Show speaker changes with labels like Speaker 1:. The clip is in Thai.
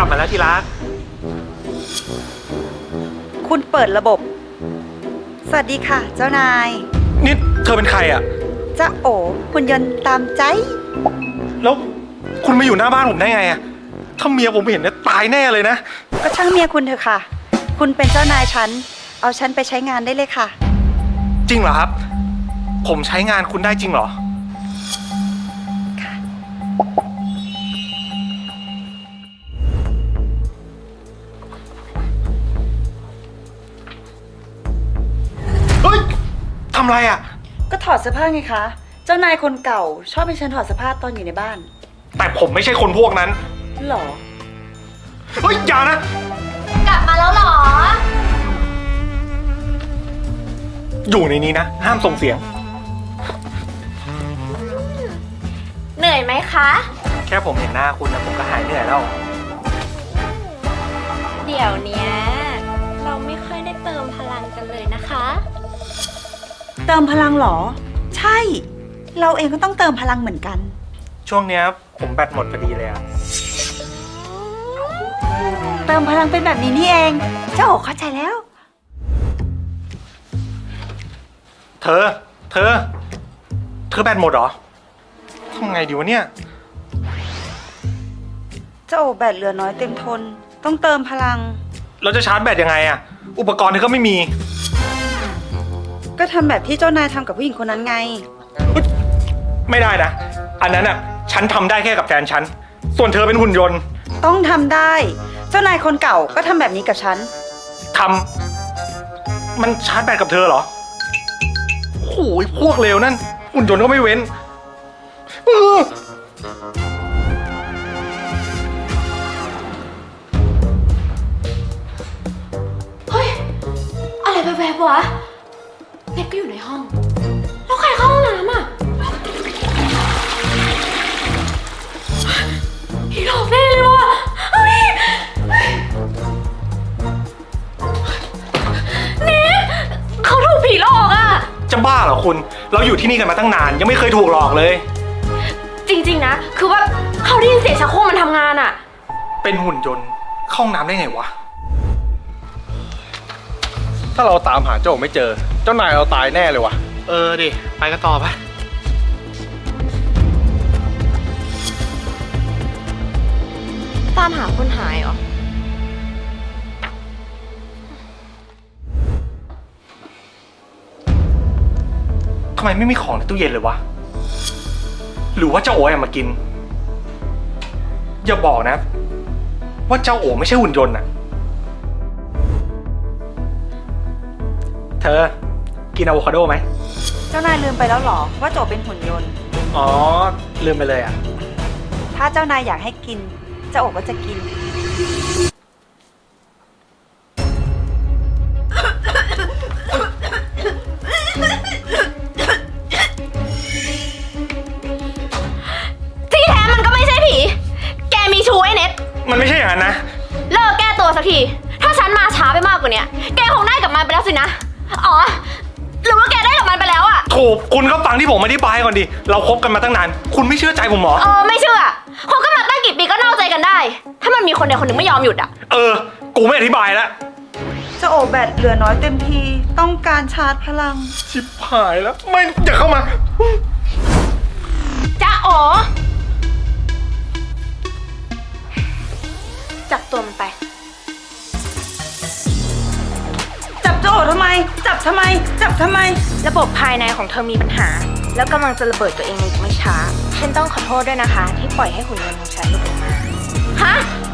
Speaker 1: ลับมาแล้วที่รัก
Speaker 2: คุณเปิดระบบสวัสดีค่ะเจ้านาย
Speaker 1: นี่เธอเป็นใครอ่ะ
Speaker 2: จ้าโอหุ่นยนต์ตามใจ
Speaker 1: แล้วคุณมาอยู่หน้าบ้านผมได้ไงอ่ะถ้าเมียผมเห็นเนี่ยตายแน่เลยนะ
Speaker 2: ก็ช่างเมียคุณเถอะค่ะคุณเป็นเจ้านายฉันเอาฉันไปใช้งานได้เลยค่ะ
Speaker 1: จริงเหรอครับผมใช้งานคุณได้จริงเหรอ
Speaker 2: ค่ะ
Speaker 1: เฮ้ยทำไรอ่ะ
Speaker 2: ก็ถอดเสื้อผ้าไงคะเจ้านายคนเก่าชอบให้ฉันถอดเสื้อผ้าตอนอยู่ในบ้าน
Speaker 1: แต่ผมไม่ใช่คนพวกนั้น
Speaker 2: หรอ
Speaker 1: เฮ้ยอย่านะ
Speaker 3: กลับมาแล้วหรอ
Speaker 1: อยู่ในนี้นะห้ามส่งเสียง
Speaker 3: เหนื่อยไหมคะ
Speaker 1: แค่ผมเห็นหน้าคุณนะผมก็หายเหนื่อยแล้ว
Speaker 3: เดี๋ยวเนี้ยเราไม่ค่อยได้เติมพลังกันเลยนะคะ
Speaker 2: เติมพลังหรอใช่เราเองก็ต้องเติมพลังเหมือนกัน
Speaker 1: ช่วงเนี้ยผมแบตหมดพอดีเลยอะ
Speaker 2: เติมพลังเป็นแบบนี้นี่เองเจ้าโอเข้าใจแล้ว
Speaker 1: เธอแบตหมดเหรอทำไงดีวะเนี่ย
Speaker 2: เจ้าโอแบตเหลือน้อยเต็มทนต้องเติมพลัง
Speaker 1: เราจะชาร์จแบตยังไงอะอุปกรณ์เธอก็ไม่มี
Speaker 2: ก็ทำแบบที่เจ้านายทำกับผู้หญิงคนนั้นไง
Speaker 1: ไม่ได้นะอันนั้นอะฉันทำได้แค่กับแฟนฉันส่วนเธอเป็นหุ่นยนต์
Speaker 2: ต้องทำได้เจ้านายคนเก่าก็ทำแบบนี้กับฉัน
Speaker 1: ทำมันชาร์จแบตกับเธอเหรอโอ้ยพวกเลวนั่นหุ่นยนต์ก็ไม่เว้น
Speaker 3: เฮ้ยอะไรแวบๆวะเน็ตก็อยู่ในห้องแล้วใครเข้าห้องน้ำอ่ะผีหลอกแน่เลยว่ะเฮ้ยเน็ตเขาถูกผีหลอกอ่ะ
Speaker 1: จะบ้าเหรอคุณเราอยู่ที่นี่กันมาตั้งนานยังไม่เคยถูกหลอกเลย
Speaker 3: จริงๆนะคือว่าเขาได้ยินเสียงชักโครกมันทำงานอ่ะ
Speaker 1: เป็นหุ่นยนต์เข้าห้องน้ำได้ไงวะถ้าเราตามหาเจ้าไม่เจอเจ้านายเราตายแน่เลยวะดิไปกันต่อปะ
Speaker 3: ตามหาคนหายเหรอ
Speaker 1: ทำไมไม่มีของในตู้เย็นเลยวะหรือว่าเจ้าโอ๋มากินอย่าบอกนะว่าเจ้าโอ๋ไม่ใช่หุ่นยนต์อะเธอกินอะโวคาโดไหม
Speaker 2: เจ้านายลืมไปแล้วหรอว่าโจเป็นหุ่นยนต์
Speaker 1: อ๋อลืมไปเลยอะ
Speaker 2: ถ้าเจ้านายอยากให้กินเจ้าโอ๋ก็จะกิน
Speaker 3: ที่แท้มันก็ไม่ใช่ผีแกมีชู้ไอ้เน็ต
Speaker 1: มันไม่ใช่อย่างนั้นนะ
Speaker 3: เลิกแก้ตัวสักทีถ้าฉันมาช้าไปมากกว่านี้แกคงได้กับมันไปแล้วสินะอ๋อหรือว่าแกได้กับมันไปแล้วอะ
Speaker 1: โถคุณก็ฟังที่ผมอธิบายก่อนดิเราคบกันมาตั้งนานคุณไม่เชื่อใจผมหรอ
Speaker 3: ไม่เชื่อคบกันมาตั้งกี่ปีก็นอกใจกันได้ถ้ามันมีคนใดคนหนึ่งไม่ยอมหยุดอะ
Speaker 1: กูไม่อธิบายแล้ว
Speaker 2: เจ้าโอแบตเหลือน้อยเต็มทีต้องการชาร์จพลัง
Speaker 1: ชิบหายแล้วไม่อย่าเข้ามา
Speaker 3: จ้าอ๋อจับตัวมันไป
Speaker 2: จับเจ้าโอทำไมจับทำไม
Speaker 3: ระบบภายในของเธอมีปัญหาแล้วกำลังจะระเบิดตัวเองในอีกไม่ช้าฉันต้องขอโทษด้วยนะคะที่ปล่อยให้หุ่นยนต์ของฉันหลุดออกมาฮะ